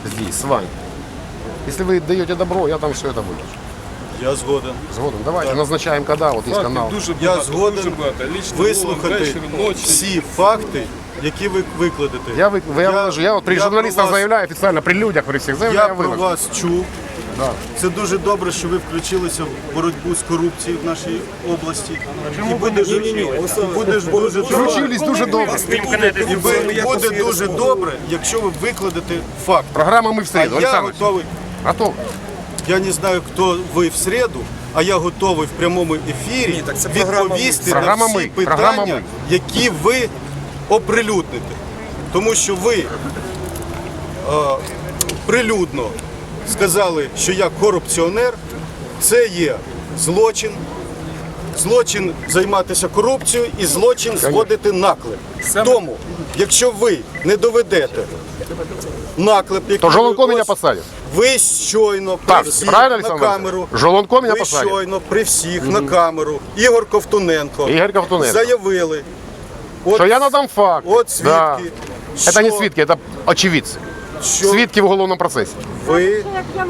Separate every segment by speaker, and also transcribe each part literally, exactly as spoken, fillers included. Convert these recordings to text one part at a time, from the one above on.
Speaker 1: здесь с вами. Если вы даете добро, я там все это выложу.
Speaker 2: Я згоден.
Speaker 1: Згоден. Давайте назначаем, когда, вот есть канал.
Speaker 3: Дуже
Speaker 2: Я
Speaker 3: багато,
Speaker 2: згоден
Speaker 3: дуже багато. Лічно
Speaker 2: вислухати
Speaker 3: вечір, ночі.
Speaker 2: всі факти, які ви викладете.
Speaker 1: Я, вы, я, выложу, я вот при
Speaker 2: я
Speaker 1: журналистах
Speaker 2: про вас-
Speaker 1: заявляю официально, при людях, при всех
Speaker 2: Я
Speaker 1: заявляю,
Speaker 2: про
Speaker 1: выложу.
Speaker 2: вас чув.
Speaker 1: Да.
Speaker 2: Це дуже добре, що ви включилися в боротьбу з корупцією в нашій області. І буде, буде дуже
Speaker 1: Включились дуже добре.
Speaker 2: І ви- буде дуже добре, якщо ви викладете факт.
Speaker 1: Программа «Мы в
Speaker 2: А
Speaker 1: среду».
Speaker 2: я
Speaker 1: Александр,
Speaker 2: готовий.
Speaker 1: готов.
Speaker 2: Я не знаю, хто ви в середу, а я готовий в прямому ефірі
Speaker 3: так це програма
Speaker 2: відповісти
Speaker 1: «Ми».
Speaker 2: на
Speaker 1: Програма
Speaker 2: всі
Speaker 1: «Ми». Програма
Speaker 2: питання,
Speaker 1: «Ми».
Speaker 2: які ви оприлюдните. Тому що ви е, прилюдно сказали, що я корупціонер, це є злочин. Злочин займатися корупцією і злочин зводити наклеп. Тому, якщо ви не доведете наклеп, який
Speaker 1: То Жолонко
Speaker 2: ви
Speaker 1: меня
Speaker 2: ось-
Speaker 1: посадит.
Speaker 2: ви щойно при
Speaker 1: Так,
Speaker 2: всіх
Speaker 1: правильно,
Speaker 2: на
Speaker 1: Олександр?
Speaker 2: камеру,
Speaker 1: Жолонко мене
Speaker 2: ви
Speaker 1: посадять.
Speaker 2: щойно при всіх на камеру, Ігор Ковтуненко,
Speaker 1: Ігор Ковтуненко.
Speaker 2: заявили, от,
Speaker 1: Что я надам факт.
Speaker 2: от свідки,
Speaker 1: Да.
Speaker 2: що,
Speaker 1: Это не свидки, это очевидцы.
Speaker 2: що
Speaker 1: Свидки в уголовном процессе.
Speaker 2: ви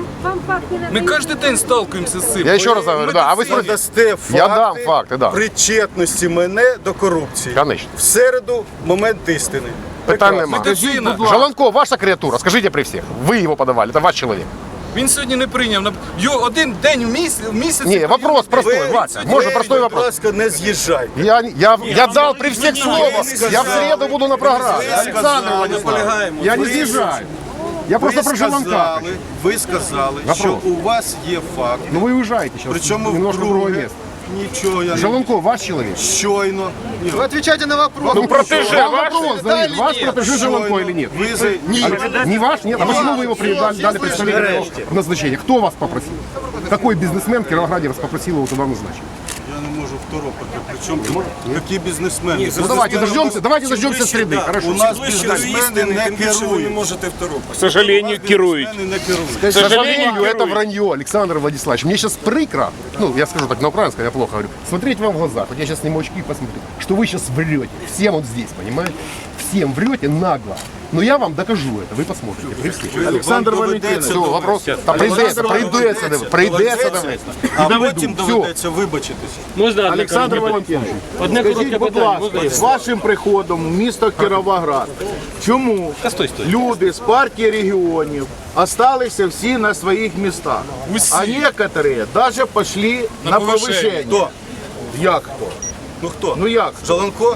Speaker 3: Ми кожен день сталкуємося з цим.
Speaker 1: Я еще раз говорю, да. А вы спросите,
Speaker 2: надасте факти,
Speaker 1: Я дам факти, да.
Speaker 2: причетності мене до корупції.
Speaker 1: Конечно.
Speaker 2: В середу момент істини.
Speaker 1: Питань
Speaker 2: Прекрасно.
Speaker 1: нема.
Speaker 3: Медицина.
Speaker 1: Жолонко, ваша креатура, скажите при всех. Вы его подавали, это ваш человек.
Speaker 3: Він сьогодні не прийняв. на- Його один день в місяць, в місяць.
Speaker 1: Не, вопрос простой,
Speaker 2: Ви,
Speaker 1: Вася.
Speaker 2: ви,
Speaker 1: Можно простой
Speaker 2: будь
Speaker 1: вопрос.
Speaker 2: ласка, не з'їжджайте.
Speaker 1: Я, я, я дал при всех слово.
Speaker 2: сказали.
Speaker 1: Я в среду буду на программе.
Speaker 2: Ви
Speaker 1: Александр
Speaker 2: сказали.
Speaker 1: Владиславович, я не съезжаю. Я просто
Speaker 2: Ви
Speaker 1: про Жолонка.
Speaker 2: сказали, ви сказали,
Speaker 1: Вопрос.
Speaker 2: що у вас є факт,
Speaker 1: Ну вы уезжаете сейчас.
Speaker 2: причому
Speaker 1: немножко в другое
Speaker 2: вдруге
Speaker 1: место.
Speaker 2: нічого я не
Speaker 1: Жолонко, ваш человек.
Speaker 2: щойно. Ні,
Speaker 4: Вы отвечайте на вопрос.
Speaker 1: Ну, протеже,
Speaker 4: Вам
Speaker 1: ваш,
Speaker 4: вопрос
Speaker 1: Давид,
Speaker 4: задали
Speaker 1: ваш
Speaker 4: или нет?
Speaker 1: протеже Жолонко или нет?
Speaker 2: Ви за... Ні,
Speaker 1: А, не ваш? Нет? А почему вы его при- дали, дали представление его назначения? Кто вас попросил? Какой бизнесмен в Кировограде вас попросил его туда назначить?
Speaker 2: я не можу второпати. Причому які бізнесмени?
Speaker 1: Ну давайте дождемся, давайте дождемся среды,
Speaker 2: У
Speaker 1: хорошо?
Speaker 2: нас бізнесмени не керують.
Speaker 5: К сожалению, керують.
Speaker 2: Бізнесмени не керують.
Speaker 1: К сожалению,
Speaker 5: сожалению,
Speaker 1: это вранье, Александр Владиславович. Мне сейчас прикро, ну, я скажу так на украинском, я плохо говорю, смотреть вам в глаза, вот я сейчас сниму очки и посмотрю, что вы сейчас врете, всем вот здесь, понимаете? Всем врете нагло. Но я вам докажу это, вы посмотрите, при всех.
Speaker 2: Олександр Валентинович.
Speaker 1: Все, вопрос, та прийдеться, прийдеться, прийдеться до мене.
Speaker 2: А
Speaker 1: Доведу,
Speaker 2: потім
Speaker 1: всё.
Speaker 2: доведеться вибачитися.
Speaker 5: Можна одне
Speaker 4: Олександр
Speaker 5: коротке
Speaker 4: Валентинович,
Speaker 5: Одне
Speaker 4: скажіть,
Speaker 5: коротке
Speaker 4: будь
Speaker 5: питання.
Speaker 4: ласка,
Speaker 5: Можна?
Speaker 4: з вашим приходом в місто Кіровоград, чому
Speaker 5: стой, стой.
Speaker 4: люди з партії регіонів осталися всі на своїх містах?
Speaker 3: Усі.
Speaker 4: А некоторые даже пошли на,
Speaker 3: На
Speaker 4: повышение.
Speaker 3: повишення.
Speaker 2: Хто?
Speaker 4: Як хто?
Speaker 2: Ну хто?
Speaker 4: Ну як?
Speaker 2: Жолонко?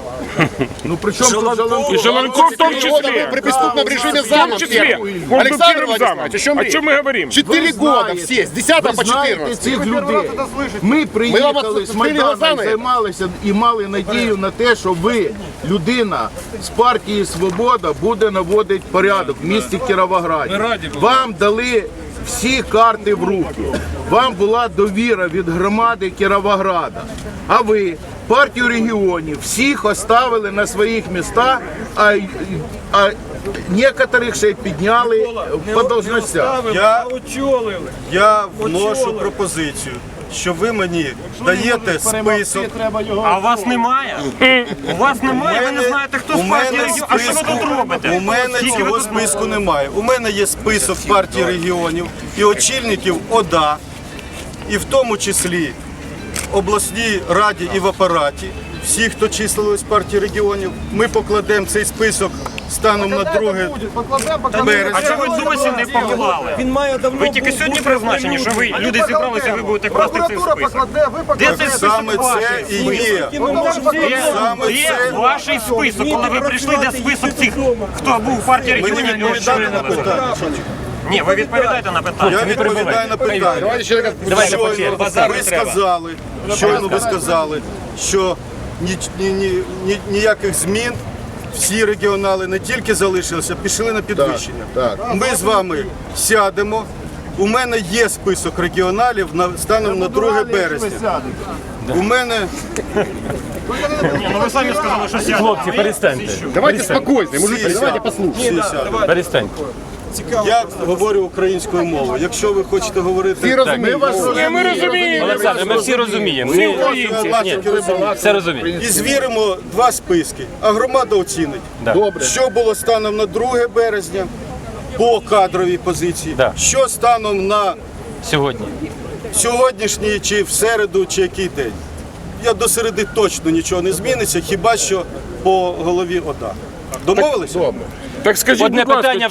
Speaker 4: Ну при чому тут Жолонко?
Speaker 5: И Жолонко в том
Speaker 1: Года
Speaker 5: числе.
Speaker 1: был при преступном режиме
Speaker 5: В том
Speaker 1: замом
Speaker 5: числе.
Speaker 1: первым.
Speaker 5: Он был
Speaker 1: Александр
Speaker 5: первым замом.
Speaker 1: Владиславович, о чем
Speaker 5: О
Speaker 1: речь?
Speaker 5: чем мы говорим?
Speaker 1: Четыре
Speaker 4: Ви
Speaker 1: года
Speaker 4: знаєте,
Speaker 1: все, с десятого
Speaker 4: ви
Speaker 1: по
Speaker 4: знаєте
Speaker 1: четырнадцатый.
Speaker 4: цих людей. Ми
Speaker 1: вам
Speaker 4: приїхали з
Speaker 1: відкрили
Speaker 4: Майдану
Speaker 1: глаза
Speaker 4: і
Speaker 1: на це?
Speaker 4: займалися і мали надію на те, що ви, людина з партії «Свобода», буде наводити порядок в місті Кіровограді.
Speaker 3: Ми раді були.
Speaker 4: Вам дали всі карти в руки. Вам була довіра від громади Кіровограда. А ви партію регіонів всіх оставили на своїх містах, а, а некоторих ще й підняли по должностях.
Speaker 2: Я, я вношу пропозицію, що ви мені даєте список.
Speaker 6: А у вас немає? У вас немає, ви не знаєте, хто
Speaker 2: у
Speaker 6: з партії
Speaker 2: мене
Speaker 6: регіонів. А що ви
Speaker 2: списку,
Speaker 6: тут робите?
Speaker 2: у мене
Speaker 6: Скільки ви
Speaker 2: цього
Speaker 6: тут-
Speaker 2: списку немає. У мене є список партії регіонів і очільників ОДА, і в тому числі обласній раді і в апараті. Всі, хто числились в партії регіонів, ми покладемо цей список станом на друге
Speaker 6: А
Speaker 2: березня.
Speaker 6: чого ви досі не поклали? Ви тільки сьогодні призначені, що ви люди зібралися, ви будете класти цей список. Де цей список
Speaker 2: Саме це
Speaker 6: ваший
Speaker 2: і
Speaker 6: список?
Speaker 2: є.
Speaker 6: Де,
Speaker 2: Саме
Speaker 6: де
Speaker 2: це.
Speaker 6: ваш список, коли ви прийшли, де список цих, хто був в партії
Speaker 2: Мені
Speaker 6: регіонів? і
Speaker 2: відповідати на
Speaker 6: очолював?
Speaker 2: питання.
Speaker 6: Ні, ви відповідаєте на питання.
Speaker 2: Я відповідаю на питання.
Speaker 1: Давайте человека...
Speaker 6: Давайте по черзі.
Speaker 2: Щойно
Speaker 6: Базар
Speaker 2: ви
Speaker 6: не треба.
Speaker 2: сказали, щойно ви сказали, що ні, ні, ні, ні- ніяких змін. Всі регіонали не тільки залишилися, пішли на підвищення.
Speaker 4: Так,
Speaker 2: Ми з вами сядемо. У мене є список регіоналів на станом на друге березня. У мене
Speaker 6: Ні, ну ви самі сказали, що сядете.
Speaker 5: Хлопці, перестаньте.
Speaker 1: Давайте спокойно, мужики,
Speaker 2: всі
Speaker 1: давайте
Speaker 2: сядуть.
Speaker 1: послушаем.
Speaker 2: Всі сядуть.
Speaker 5: Перестаньте.
Speaker 2: Я говорю українською мовою. Якщо ви хочете говорити,
Speaker 1: Всі розуміють.
Speaker 5: Ні, ми розуміємо. Олександр, ми всі розуміємо. Ми українці. Ні, все розуміємо.
Speaker 2: і звіримо два списки, а громада оцінить.
Speaker 5: Да.
Speaker 4: Добре.
Speaker 2: Що було станом на друге березня по кадровій позиції.
Speaker 5: Да.
Speaker 2: Що станом на
Speaker 5: Сьогодні.
Speaker 2: сьогоднішній, чи в середу, чи який день? Я до середи точно нічого не зміниться, хіба що по голові ОДА. Домовилися?
Speaker 7: Так скажіть,
Speaker 5: Одне
Speaker 7: будь ласка,
Speaker 5: питання